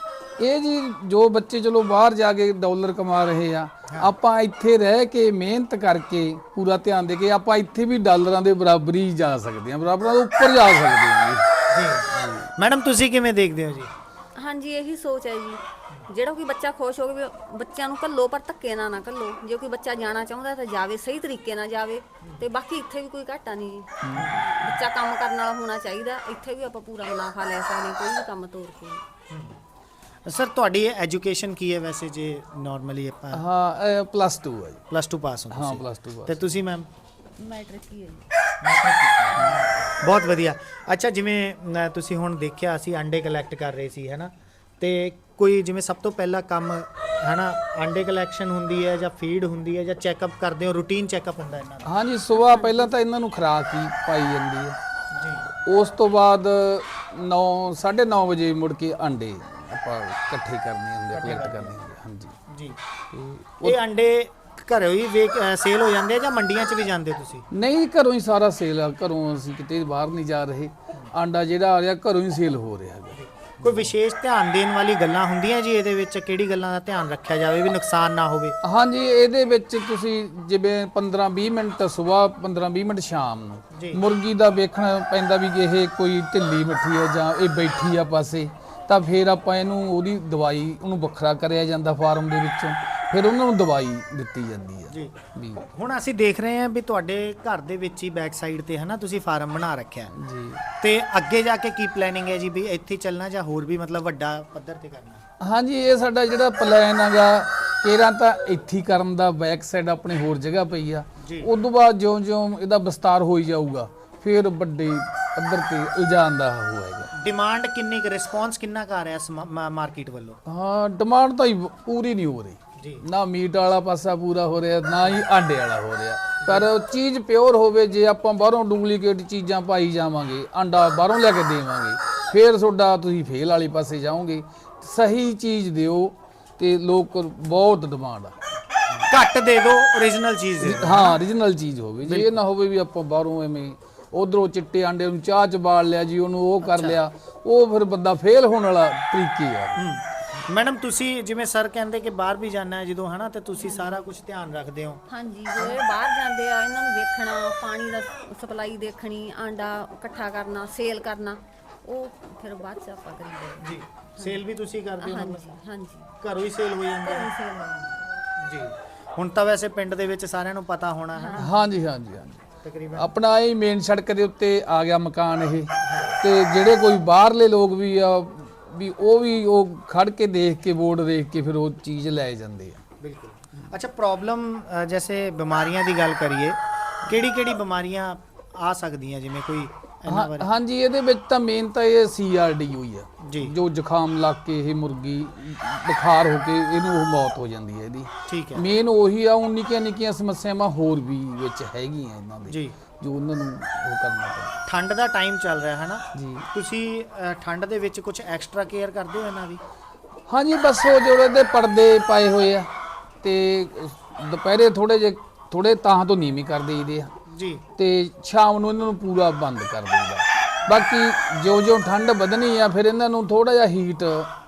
ਇਹ ਜੀ ਜੋ ਬੱਚੇ ਚਲੋ ਬਾਹਰ ਜਾ ਕੇ ਡਾਲਰ ਕਮਾ ਰਹੇ ਆ, ਆਪਾਂ ਇੱਥੇ ਰਹਿ ਕੇ ਮਿਹਨਤ ਕਰਕੇ ਪੂਰਾ ਧਿਆਨ ਦੇ ਕੇ ਆਪਾਂ ਇੱਥੇ ਵੀ ਡਾਲਰਾਂ ਦੇ ਬਰਾਬਰ ਹੀ ਜਾ ਸਕਦੇ ਹਾਂ, ਬਰਾਬਰਾਂ ਦੇ ਉੱਪਰ ਜਾ ਸਕਦੇ ਹਾਂ ਜੀ।
ਜੀ ਮੈਡਮ ਤੁਸੀਂ ਕਿਵੇਂ ਦੇਖਦੇ ਹੋ ਜੀ?
ਹਾਂਜੀ ਇਹੀ ਸੋਚ ਹੈ ਜੀ, ਜਿਹੜਾ ਕੋਈ ਬੱਚਾ ਖੁਸ਼ ਹੋ ਕੇ ਬੱਚਿਆਂ ਨੂੰ ਘੱਲੋ, ਪਰ ਧੱਕੇ ਨਾਲ ਨਾ ਘੱਲੋ। ਜੇ ਕੋਈ ਬੱਚਾ ਜਾਣਾ ਚਾਹੁੰਦਾ ਤਾਂ ਜਾਵੇ, ਸਹੀ ਤਰੀਕੇ ਨਾਲ ਜਾਵੇ। ਤੇ ਬਾਕੀ ਇੱਥੇ ਵੀ ਕੋਈ ਘਾਟਾ ਨਹੀਂ ਜੀ, ਬੱਚਾ ਕੰਮ ਕਰਨ ਵਾਲਾ ਹੋਣਾ ਚਾਹੀਦਾ। ਇੱਥੇ ਵੀ ਆਪਾਂ ਪੂਰਾ ਮੁਨਾਫਾ ਲੈ ਸਕਦੇ ਹਾਂ, ਕੋਈ ਵੀ ਕੰਮ ਤੋਰ ਕੇ।
ਸਰ ਤੁਹਾਡੀ ਐਜੂਕੇਸ਼ਨ ਕੀ ਹੈ ਵੈਸੇ, ਜੇ ਨਾਰਮਲੀ ਆਪਾਂ?
ਹਾਂ ਪਲੱਸ ਟੂ ਹੈ ਜੀ।
ਪਲੱਸ ਟੂ ਪਾਸ ਹੋ
ਹਾਂ
ਤੁਸੀਂ?
ਪਲੱਸ ਟੂ
ਤੇ ਤੁਸੀਂ ਮੈਮ?
ਮੈਟ੍ਰਿਕ ਹੀ ਹੈ ਜੀ।
ਬਹੁਤ ਵਧੀਆ। ਅੱਛਾ ਜਿਵੇਂ ਅ, ਤੁਸੀਂ ਹੁਣ ਦੇਖਿਆ ਅਸੀਂ ਅੰਡੇ ਕਲੈਕਟ ਕਰ ਰਹੇ ਸੀ ਹੈ ਨਾ, ਤੇ ਕੋਈ ਜਿਵੇਂ ਸਭ ਤੋਂ ਪਹਿਲਾ ਕੰਮ ਹੈ ਨਾ ਅੰਡੇ ਕਲੈਕਸ਼ਨ ਹੁੰਦੀ ਹੈ, ਜਾਂ ਫੀਡ ਹੁੰਦੀ ਹੈ, ਜਾਂ ਚੈੱਕਅਪ ਕਰਦੇ ਹੋ, ਰੂਟੀਨ ਚੈੱਕਅਪ ਹੁੰਦਾ ਇਹਨਾਂ ਦਾ?
ਹਾਂਜੀ ਸਵੇਰ ਪਹਿਲਾਂ ਤਾਂ ਇਹਨਾਂ ਨੂੰ ਖੁਰਾਕ ਹੀ ਪਾਈ ਜਾਂਦੀ ਹੈ ਜੀ। ਉਸ ਤੋਂ ਬਾਅਦ ਨੌ ਸਾਢੇ ਨੌ ਵਜੇ ਮੁੜ ਕੇ ਅੰਡੇ ਆਪਾਂ ਇਕੱਠੇ ਕਰਨੇ ਹੁੰਦੇ, ਕਲੈਕਟ ਕਰਨੇ ਹੁੰਦੇ। ਹਾਂਜੀ
ਜੀ। ਇਹ ਅੰਡੇ ਘਰੋਂ ਹੀ ਵੇਚ ਸੇਲ ਹੋ ਜਾਂਦੇ ਆ, ਜਾਂ ਮੰਡੀਆਂ 'ਚ ਵੀ ਜਾਂਦੇ ਤੁਸੀਂ?
ਨਹੀਂ ਘਰੋਂ ਹੀ ਸਾਰਾ ਸੇਲ ਆ, ਘਰੋਂ ਅਸੀਂ ਕਿਤੇ ਬਾਹਰ ਨਹੀਂ ਜਾ ਰਹੇ। ਆਂਡਾ ਜਿਹੜਾ ਆ ਰਿਹਾ ਘਰੋਂ ਹੀ ਸੇਲ ਹੋ ਰਿਹਾ ਹੈਗਾ।
ਕੋਈ ਵਿਸ਼ੇਸ਼ ਧਿਆਨ ਦੇਣ ਵਾਲੀ ਗੱਲਾਂ ਹੁੰਦੀਆਂ ਜੀ ਇਹਦੇ ਵਿੱਚ? ਕਿਹੜੀ ਗੱਲਾਂ ਦਾ ਧਿਆਨ ਰੱਖਿਆ ਜਾਵੇ ਵੀ ਨੁਕਸਾਨ ਨਾ ਹੋਵੇ?
ਹਾਂਜੀ ਇਹਦੇ ਵਿੱਚ ਤੁਸੀਂ ਜਿਵੇਂ ਪੰਦਰਾਂ ਵੀਹ ਮਿੰਟ ਸਵੇਰ, ਪੰਦਰਾਂ ਵੀਹ ਮਿੰਟ ਸ਼ਾਮ ਨੂੰ ਮੁਰਗੀ ਦਾ ਵੇਖਣਾ ਪੈਂਦਾ ਵੀ ਇਹ ਕੋਈ ਢਿੱਲੀ ਮਿੱਠੀ ਹੈ ਜਾਂ ਇਹ ਬੈਠੀ ਆ ਪਾਸੇ, ਤਾਂ ਫਿਰ ਆਪਾਂ ਇਹਨੂੰ ਉਹਦੀ ਦਵਾਈ ਉਹਨੂੰ ਵੱਖਰਾ ਕਰਿਆ ਜਾਂਦਾ ਫਾਰਮ ਦੇ ਵਿੱਚੋਂ, ਫਿਰ ਉਹਨਾਂ ਨੂੰ ਦਵਾਈ ਦਿੱਤੀ ਜਾਂਦੀ ਹੈ
ਜੀ।
ਵੀ
ਹੁਣ ਅਸੀਂ ਦੇਖ ਰਹੇ ਹਾਂ ਵੀ ਤੁਹਾਡੇ ਘਰ ਦੇ ਵਿੱਚ ਹੀ ਬੈਕ ਸਾਈਡ ਤੇ ਹੈ ਨਾ ਤੁਸੀਂ ਫਾਰਮ ਬਣਾ ਰੱਖਿਆ
ਜੀ।
ਤੇ ਅੱਗੇ ਜਾ ਕੇ ਕੀ ਪਲੈਨਿੰਗ ਹੈ ਜੀ, ਵੀ ਇੱਥੇ ਚੱਲਣਾ ਜਾਂ ਹੋਰ ਵੀ ਮਤਲਬ ਵੱਡਾ ਪੱਧਰ ਤੇ ਕਰਨਾ?
ਹਾਂਜੀ ਇਹ ਸਾਡਾ ਜਿਹੜਾ ਪਲਾਨ ਹੈਗਾ, ਕੇਰਾਂ ਤਾਂ ਇੱਥੇ ਕਰਨ ਦਾ, ਬੈਕ ਸਾਈਡ ਆਪਣੀ ਹੋਰ ਜਗ੍ਹਾ ਪਈ ਆ। ਉਸ ਤੋਂ ਬਾਅਦ ਜਿਉਂ-ਜਿਉਂ ਇਹਦਾ ਵਿਸਤਾਰ ਹੋਈ ਜਾਊਗਾ ਫਿਰ ਵੱਡੇ ਪੱਧਰ ਤੇ ਇਲਜਾਨ ਦਾ ਹੋਏਗਾ।
ਡਿਮਾਂਡ ਕਿੰਨੀ ਕੁ, ਰਿਸਪੌਂਸ ਕਿੰਨਾ ਕੁ ਆ ਰਿਹਾ ਮਾਰਕੀਟ ਵੱਲੋਂ?
ਹਾਂ ਡਿਮਾਂਡ ਤਾਂ ਹੀ ਪੂਰੀ ਨਹੀਂ ਹੋ ਰਹੀ
ਜੀ।
ਨਾ ਮੀਟ ਵਾਲਾ ਪਾਸਾ ਪੂਰਾ ਹੋ ਰਿਹਾ, ਨਾ ਹੀ ਆਂਡੇ ਵਾਲਾ ਹੋ ਰਿਹਾ। ਪਰ ਚੀਜ਼ ਪਿਓਰ ਹੋਵੇ। ਜੇ ਆਪਾਂ ਬਾਹਰੋਂ ਡੁਪਲੀਕੇਟ ਚੀਜ਼ਾਂ ਪਾਈ ਜਾਵਾਂਗੇ, ਆਂਡਾ ਬਾਹਰੋਂ ਲੈ ਕੇ ਦੇਵਾਂਗੇ, ਫਿਰ ਤੁਹਾਡਾ ਤੁਸੀਂ ਫੇਲ ਵਾਲੇ ਪਾਸੇ ਜਾਓਗੇ। ਸਹੀ ਚੀਜ਼ ਦਿਓ ਤੇ ਲੋਕ ਬਹੁਤ ਡਿਮਾਂਡ ਆ।
ਘੱਟ ਦੇ ਦਿਓ, ਓਰੀਜਨਲ ਚੀਜ਼ ਦੇ ਦਿਓ।
ਹਾਂ ਓਰੀਜਨਲ ਚੀਜ਼ ਹੋਵੇ, ਜੇ ਇਹ ਨਾ ਹੋਵੇ ਵੀ ਆਪਾਂ ਬਾਹਰੋਂ ਐਵੇਂ ਉਧਰੋਂ ਚਿੱਟੇ ਆਂਡੇ ਨੂੰ ਚਾਹ ਚ ਬਾਲ ਲਿਆ ਜੀ, ਉਹਨੂੰ ਉਹ ਕਰ ਲਿਆ, ਉਹ ਫਿਰ ਬੰਦਾ ਫੇਲ ਹੋਣ ਵਾਲਾ ਤਰੀਕੇ ਆ।
ਮੈਡਮ ਤੁਸੀਂ ਜਿਵੇਂ ਸਰ ਕਹਿੰਦੇ ਕਿ ਬਾਹਰ ਵੀ ਜਾਣਾ ਹੈ ਜਦੋਂ ਹਨਾ, ਤੇ ਤੁਸੀਂ ਸਾਰਾ ਕੁਝ ਧਿਆਨ ਰੱਖਦੇ ਹੋ?
ਹਾਂਜੀ, ਜੋ ਇਹ ਬਾਹਰ ਜਾਂਦੇ ਆ ਇਹਨਾਂ ਨੂੰ ਵੇਖਣਾ, ਪਾਣੀ ਦਾ ਸਪਲਾਈ ਦੇਖਣੀ, ਆਂਡਾ ਇਕੱਠਾ ਕਰਨਾ, ਸੇਲ ਕਰਨਾ, ਉਹ ਫਿਰ ਬਾਅਦ ਚ ਆਪਾਂ ਕਰੀਦੇ
ਜੀ। ਸੇਲ ਵੀ ਤੁਸੀਂ ਕਰਦੇ ਹੋ?
ਹਾਂਜੀ ਹਾਂਜੀ,
ਘਰੋਂ ਹੀ ਸੇਲ ਹੋ ਜਾਂਦੀ ਹੈ
ਸੇਲ ਹੋ ਜਾਂਦੀ
ਜੀ। ਹੁਣ ਤਾਂ ਵੈਸੇ ਪਿੰਡ ਦੇ ਵਿੱਚ ਸਾਰਿਆਂ ਨੂੰ ਪਤਾ ਹੋਣਾ ਹੈ
ਹਾਂਜੀ ਹਾਂਜੀ ਹਾਂਜੀ।
ਤਕਰੀਬਨ
ਆਪਣਾ ਇਹ ਮੇਨ ਸੜਕ ਦੇ ਉੱਤੇ ਆ ਗਿਆ ਮਕਾਨ ਇਹ, ਤੇ ਜਿਹੜੇ ਕੋਈ ਬਾਹਰਲੇ ਲੋਕ ਵੀ ਆ ਵੀ ਉਹ ਵੀ ਉਹ ਖੜ ਕੇ ਦੇਖ ਕੇ ਬੋਰਡ ਦੇਖ ਕੇ ਫਿਰ ਉਹ ਚੀਜ਼ ਲੈ ਜਾਂਦੇ ਆ।
ਬਿਲਕੁਲ। ਅੱਛਾ, ਪ੍ਰੋਬਲਮ ਜੈਸੇ ਬਿਮਾਰੀਆਂ ਦੀ ਗੱਲ ਕਰੀਏ, ਕਿਹੜੀ ਕਿਹੜੀ ਬਿਮਾਰੀਆਂ ਆ ਸਕਦੀਆਂ ਜਿਵੇਂ ਕੋਈ ਇਹਨਾਂ ਬਾਰੇ?
ਹਾਂਜੀ, ਇਹਦੇ ਵਿੱਚ ਤਾਂ ਮੇਨ ਤਾਂ ਇਹ ਸੀ ਆਰ ਡੀ ਹੋਈ ਆ
ਜੀ,
ਜੋ ਜ਼ੁਕਾਮ ਲੱਗ ਕੇ ਇਹ ਮੁਰਗੀ ਬੁਖਾਰ ਹੋ ਕੇ ਇਹਨੂੰ ਉਹ ਮੌਤ ਹੋ ਜਾਂਦੀ ਹੈ ਇਹਦੀ।
ਠੀਕ ਹੈ।
ਮੇਨ ਉਹੀ ਆ। ਉਹ ਨਿੱਕੀਆਂ ਨਿੱਕੀਆਂ ਸਮੱਸਿਆਵਾਂ ਹੋਰ ਵੀ ਵਿੱਚ ਹੈਗੀਆਂ ਇਹਨਾਂ ਦੇ
ਜੀ,
ਜੋ ਉਹਨਾਂ ਨੂੰ ਉਹ ਕਰਨਾ ਪੈਂਦਾ।
ਠੰਡ ਦਾ ਟਾਈਮ ਚੱਲ ਰਿਹਾ ਹੈ ਨਾ
ਜੀ।
ਤੁਸੀਂ ਅ, ਠੰਡ ਦੇ ਵਿੱਚ ਕੁਝ ਐਕਸਟਰਾ ਕੇਅਰ ਕਰਦੇ ਹੋ ਇਹਨਾਂ ਦੀ?
ਹਾਂਜੀ, ਬਸ ਉਹ ਜਿਹੜੇ ਇਹਦੇ ਪਰਦੇ ਪਾਏ ਹੋਏ ਆ ਤੇ ਦੁਪਹਿਰੇ ਥੋੜੇ ਜਿਹੇ ਥੋੜੇ ਤਾਂ ਤੋਂ ਨੀਵੀਂ ਕਰ ਦੇਈਦੇ ਆ
ਜੀ,
ਤੇ ਸ਼ਾਮ ਨੂੰ ਇਹਨਾਂ ਨੂੰ ਪੂਰਾ ਬੰਦ ਕਰ ਦਈਦਾ। ਬਾਕੀ ਜਿਉਂ ਜਿਉਂ ਠੰਡ ਵਧਣੀ ਆ ਫਿਰ ਇਹਨਾਂ ਨੂੰ ਥੋੜਾ ਜਿਹਾ ਹੀਟ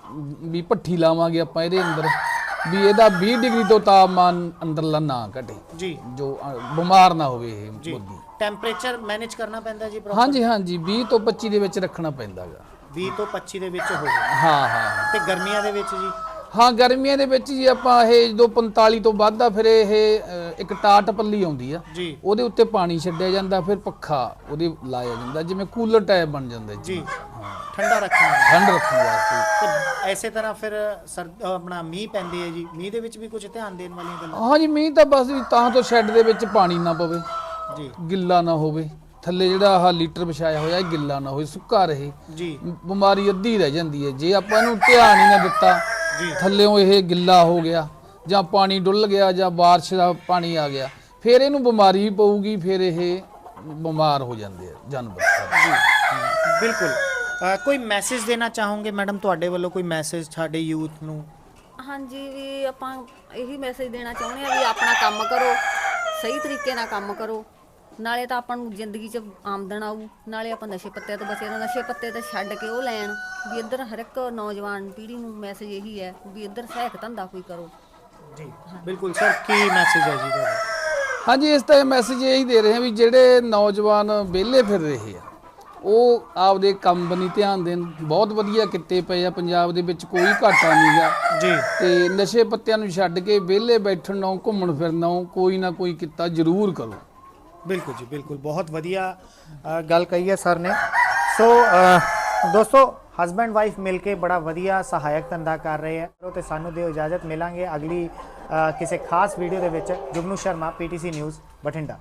ਵੀ ਭੱਠੀ ਲਾਵਾਂਗੇ ਆਪਾਂ ਇਹਦੇ ਅੰਦਰ, ਵੀ ਇਹਦਾ ਵੀਹ ਡਿਗਰੀ ਤੋਂ ਤਾਪਮਾਨ ਅੰਦਰਲਾ ਨਾ ਘਟੇ
ਜੀ, ਜੋ
ਬਿਮਾਰ ਨਾ ਹੋਵੇ ਇਹ ਮੁਰਗੀ।
ਟੈਂਪਰੇਚਰ ਮੈਨੇਜ ਕਰਨਾ ਪੈਂਦਾ ਜੀ ਪ੍ਰੋਪਰ?
ਹਾਂਜੀ ਹਾਂਜੀ, ਵੀਹ ਤੋਂ ਪੱਚੀ ਦੇ ਵਿੱਚ ਰੱਖਣਾ ਪੈਂਦਾਗਾ।
ਵੀਹ ਤੋਂ ਪੱਚੀ ਦੇ ਵਿੱਚ ਹੋਵੇ?
ਹਾਂ ਹਾਂ।
ਤੇ ਗਰਮੀਆਂ ਦੇ ਵਿੱਚ ਜੀ?
ਹਾਂ, ਗਰਮੀਆਂ ਦੇ ਵਿੱਚ ਜੀ ਆਪਾਂ ਇਹ ਜਦੋਂ ਪੰਤਾਲੀ ਤੋਂ ਵੱਧ ਆ ਫਿਰ ਇਹ ਇੱਕ ਟਾਟ ਪੱਲੀ ਆਉਂਦੀ ਆ
ਜੀ,
ਉਹਦੇ ਉੱਤੇ ਪਾਣੀ ਛੱਡਿਆ ਜਾਂਦਾ, ਫਿਰ ਪੱਖਾ ਉਹਦੇ ਲਾਇਆ ਜਾਂਦਾ, ਜਿਵੇਂ ਕੂਲਰ ਟਾਈਪ ਬਣ ਜਾਂਦਾ
ਜੀ, ਠੰਡਾ ਰੱਖਣਾ
ਠੰਡ ਰੱਖਣ ਵਾਸਤੇ।
ਤੇ ਐਸੇ ਤਰ੍ਹਾਂ ਫਿਰ ਸਰ ਆਪਣਾ ਮੀਂਹ ਪੈਂਦੇ ਆ ਜੀ, ਮੀਂਹ ਦੇ ਵਿੱਚ ਵੀ ਕੁਝ ਧਿਆਨ ਦੇਣ ਵਾਲੀਆਂ ਗੱਲਾਂ?
ਹਾਂਜੀ, ਮੀਂਹ ਤਾਂ ਬਸ ਵੀ ਤਾਂ ਤੋਂ ਸ਼ੈੱਡ ਦੇ ਵਿੱਚ ਪਾਣੀ ਨਾ ਪਵੇ
ਜੀ,
ਗਿੱਲਾ ਨਾ ਹੋਵੇ, ਥੱਲੇ ਜਿਹੜਾ ਆਹ ਲੀਟਰ ਵਿਛਾਇਆ ਹੋਇਆ ਇਹ ਗਿੱਲਾ ਨਾ ਹੋਵੇ, ਸੁੱਕਾ ਰਹੇ
ਜੀ,
ਬਿਮਾਰੀ ਅੱਧੀ ਰਹਿ ਜਾਂਦੀ ਹੈ। ਜੇ ਆਪਾਂ ਇਹਨੂੰ ਧਿਆਨ ਹੀ ਨਾ ਦਿੱਤਾ, ਥੱਲਿਓਂ ਇਹ ਗਿੱਲਾ ਹੋ ਗਿਆ ਜਾਂ ਪਾਣੀ ਡੁੱਲ ਗਿਆ ਜਾਂ ਬਾਰਿਸ਼ ਦਾ ਪਾਣੀ ਆ ਗਿਆ, ਫਿਰ ਇਹਨੂੰ ਬਿਮਾਰੀ ਵੀ ਪਊਗੀ, ਫਿਰ ਇਹ ਬਿਮਾਰ ਹੋ ਜਾਂਦੇ ਆ ਜਾਨਵਰ।
ਜੀ, ਬਿਲਕੁਲ। ਅ, ਕੋਈ ਮੈਸੇਜ ਦੇਣਾ ਚਾਹੋਗੇ ਮੈਡਮ ਤੁਹਾਡੇ ਵੱਲੋਂ, ਕੋਈ ਮੈਸੇਜ ਸਾਡੇ ਯੂਥ ਨੂੰ?
ਹਾਂਜੀ, ਵੀ ਆਪਾਂ ਇਹੀ ਮੈਸੇਜ ਦੇਣਾ ਚਾਹੁੰਦੇ ਆ ਵੀ ਆਪਣਾ ਕੰਮ ਕਰੋ, ਸਹੀ ਤਰੀਕੇ ਨਾਲ ਕੰਮ ਕਰੋ, ਨਾਲੇ ਤਾਂ ਆਪਾਂ ਨੂੰ ਜ਼ਿੰਦਗੀ 'ਚ ਆਮਦਨ ਆਊ, ਨਾਲੇ ਆਪਾਂ ਨਸ਼ੇ ਪੱਤੇ ਤੋਂ ਬਚੇ ਰਹੋ। ਨਸ਼ੇ ਪੱਤੇ ਤੇ ਛੱਡ ਕੇ ਉਹ ਲੈਣ ਵੀ ਇੱਧਰ ਹਰ ਇੱਕ ਨੌਜਵਾਨ ਪੀੜ੍ਹੀ ਨੂੰ ਮੈਸੇਜ ਇਹੀ ਹੈ ਵੀ ਇੱਧਰ ਸਹਾਇਕ ਧੰਦਾ ਕੋਈ ਕਰੋ।
ਜੀ ਬਿਲਕੁਲ ਸਰ, ਕੀ ਮੈਸੇਜ ਹੈ ਜੀ ਤੁਹਾਡਾ?
ਹਾਂਜੀ, ਇਸ ਤਾਂ ਮੈਸੇਜ ਇਹੀ ਦੇ ਰਹੇ ਹਾਂ ਵੀ ਜਿਹੜੇ ਨੌਜਵਾਨ ਵਿਹਲੇ ਫਿਰ ਰਹੇ ਆ ਉਹ ਆਪਦੇ ਕੰਮ ਬਣੀ ਧਿਆਨ ਦੇਣ। ਬਹੁਤ ਵਧੀਆ ਕਿੱਤੇ ਪਏ ਆ ਪੰਜਾਬ ਦੇ ਵਿੱਚ, ਕੋਈ ਘਾਟਾ ਨਹੀਂ ਗਾ
ਜੀ।
ਤੇ ਨਸ਼ੇ ਪੱਤਿਆਂ ਨੂੰ ਛੱਡ ਕੇ ਵਿਹਲੇ ਬੈਠਣ ਨਾਲੋਂ ਘੁੰਮਣ ਫਿਰਨ ਨਾਲੋਂ ਕੋਈ ਨਾ ਕੋਈ ਕਿੱਤਾ ਜ਼ਰੂਰ ਕਰੋ।
ਬਿਲਕੁਲ ਜੀ, ਬਿਲਕੁਲ, ਬਹੁਤ ਵਧੀਆ ਅ, ਗੱਲ ਕਹੀ ਹੈ ਸਰ ਨੇ। ਸੋ ਅ, ਦੋਸਤੋ, ਹਸਬੈਂਡ ਵਾਈਫ ਮਿਲ ਕੇ ਬੜਾ ਵਧੀਆ ਸਹਾਇਕ ਧੰਦਾ ਕਰ ਰਹੇ ਹੈ। ਤੇ ਸਾਨੂੰ ਦਿਓ ਇਜਾਜ਼ਤ, ਮਿਲਾਂਗੇ ਅਗਲੀ ਅ, ਕਿਸੇ ਖਾਸ ਵੀਡੀਓ ਦੇ ਵਿੱਚ। Jugnu Sharma, PTC news, Bathinda.